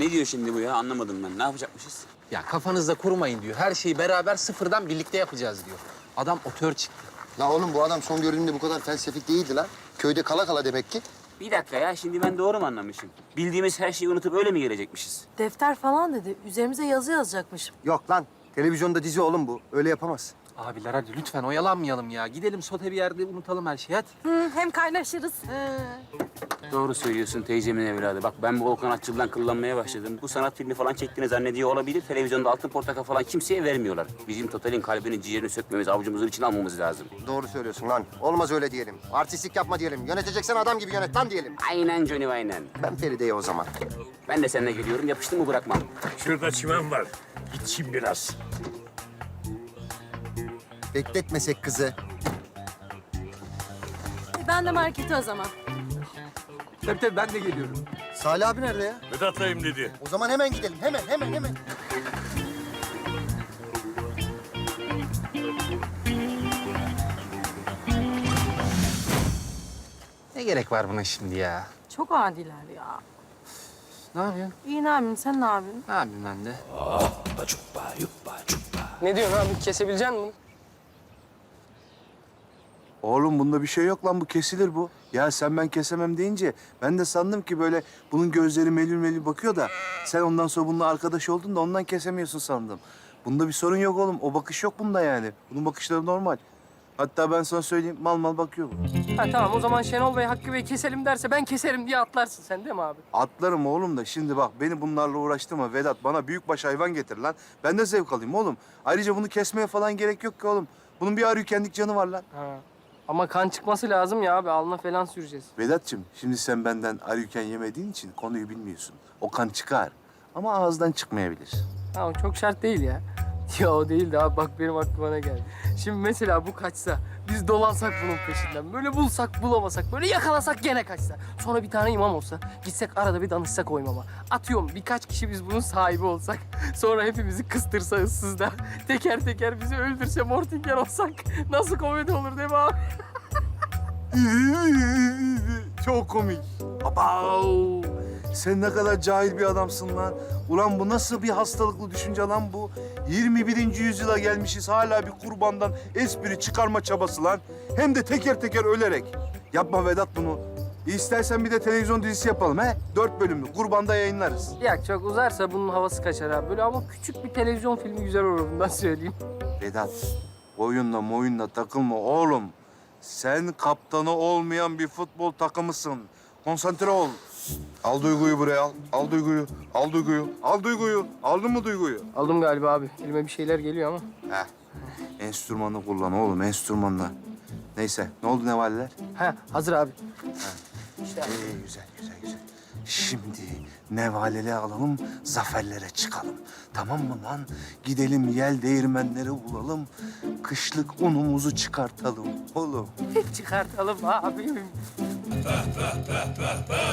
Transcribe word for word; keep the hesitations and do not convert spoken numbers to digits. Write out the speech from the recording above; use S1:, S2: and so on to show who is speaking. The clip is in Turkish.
S1: Ne diyor şimdi bu ya? Anlamadım ben. Ne yapacakmışız?
S2: Ya kafanızda kurmayın diyor. Her şeyi beraber sıfırdan birlikte yapacağız diyor. Adam otör çıktı.
S3: La oğlum bu adam son gördüğümde bu kadar felsefik değildi lan. Köyde kala kala demek ki.
S1: Bir dakika ya. Şimdi ben doğru mu anlamışım? Bildiğimiz her şeyi unutup öyle mi gelecekmişiz?
S4: Defter falan dedi. Üzerimize yazı yazacakmış.
S3: Yok lan. Televizyonda dizi oğlum bu. Öyle yapamaz.
S2: Abiler hadi lütfen oyalanmayalım ya. Gidelim sote bir yerde unutalım her şeyi hadi.
S4: Hı, hem kaynaşırız.
S1: Doğru söylüyorsun teyzemin evladı. Bak ben bu Volkan Atçıl'dan kıllanmaya başladım. Bu sanat filmi falan çektiğini zannediyor olabilir. Televizyonda altın portakal falan kimseye vermiyorlar. Bizim Total'in kalbini, ciğerini sökmemiz, avucumuzun içine almamız lazım.
S3: Doğru söylüyorsun lan. Olmaz öyle diyelim. Artistlik yapma diyelim. Yöneteceksen adam gibi yönet lan diyelim.
S1: Aynen Johnny aynen.
S3: Ben Feride'ye o zaman.
S1: Ben de seninle geliyorum. Yapıştın mı bırakmam.
S5: Şurada çimen var. Gideyim biraz.
S3: Bekletmesek kızı.
S4: E, ben de markete o zaman.
S2: Tabii tabii ben de geliyorum.
S3: Salih abi nerede ya?
S5: Vedat'layım dedi.
S3: O zaman hemen gidelim. Hemen, hemen, hemen.
S2: Ne gerek var buna şimdi ya?
S4: Çok adiler ya.
S2: Ne yapıyorsun?
S4: İyi ne yapayım, sen ne yapıyorsun?
S2: Ne yapayım ben de?
S6: Ne diyorsun abi? Kesebilecek misin?
S7: Oğlum bunda bir şey yok lan, bu kesilir bu. Ya sen ben kesemem deyince ben de sandım ki böyle bunun gözleri melül melül bakıyor da sen ondan sonra bununla arkadaş oldun da ondan kesemiyorsun sandım. Bunda bir sorun yok oğlum. O bakış yok bunda yani. Bunun bakışları normal. Hatta ben sana söyleyeyim, mal mal bakıyor bu.
S6: Ha tamam, o zaman Şenol Bey Hakkı Bey keselim derse ben keserim diye atlarsın sen değil mi abi?
S7: Atlarım oğlum da şimdi bak beni bunlarla uğraştırma Vedat. Bana büyükbaş hayvan getir lan. Ben de zevk alayım oğlum. Ayrıca bunu kesmeye falan gerek yok ki oğlum. Bunun bir arıykendik canı var lan.
S6: Ha. Ama kan çıkması lazım ya abi. Alnına falan süreceğiz.
S7: Vedat'cığım şimdi sen benden arıyken yemediğin için konuyu bilmiyorsun. O kan çıkar ama ağızdan çıkmayabilir.
S6: Ha, o çok şart değil ya. Ya o değil de abi bak benim aklıma ne geldi. Şimdi mesela bu kaçsa, biz dolansak bunun peşinden. Böyle bulsak bulamasak, böyle yakalasak gene kaçsa. Sonra bir tane imam olsa, gitsek arada bir danışsak o imama. Atıyorum birkaç kişi biz bunun sahibi olsak. Sonra hepimizi kıstırsa ıssızda. Teker teker bizi öldürse Mortingen olsak. Nasıl komedi olur değil mi abi?
S7: Çok komik. Abav! Sen ne kadar cahil bir adamsın lan. Ulan bu nasıl bir hastalıklı düşünce lan bu? yirmi birinci yüzyıla gelmişiz hala bir kurbandan espri çıkarma çabası lan. Hem de teker teker ölerek. Yapma Vedat bunu. İstersen bir de televizyon dizisi yapalım he? Dört bölümlü. Kurbanda yayınlarız.
S6: Ya çok uzarsa bunun havası kaçar abi. Böyle ama küçük bir televizyon filmi güzel olur bundan söyleyeyim.
S7: Vedat, oyunla moyunla takılma oğlum. Sen kaptanı olmayan bir futbol takımısın. Konsantre ol. Al Duygu'yu buraya al. Al Duygu'yu. Al Duygu'yu. Al Duygu'yu. Aldın mı Duygu'yu?
S6: Aldım galiba abi. Elime bir şeyler geliyor ama.
S7: Heh. Enstrümanı kullan oğlum, enstrümanla. Neyse, ne oldu nevaleler?
S6: Ha hazır abi.
S7: İyi, güzel, güzel, güzel. Şimdi nevaleli alalım, zaferlere çıkalım. Tamam mı lan? Gidelim yel değirmenleri bulalım. Kışlık unumuzu çıkartalım oğlum.
S6: Çıkartalım abim.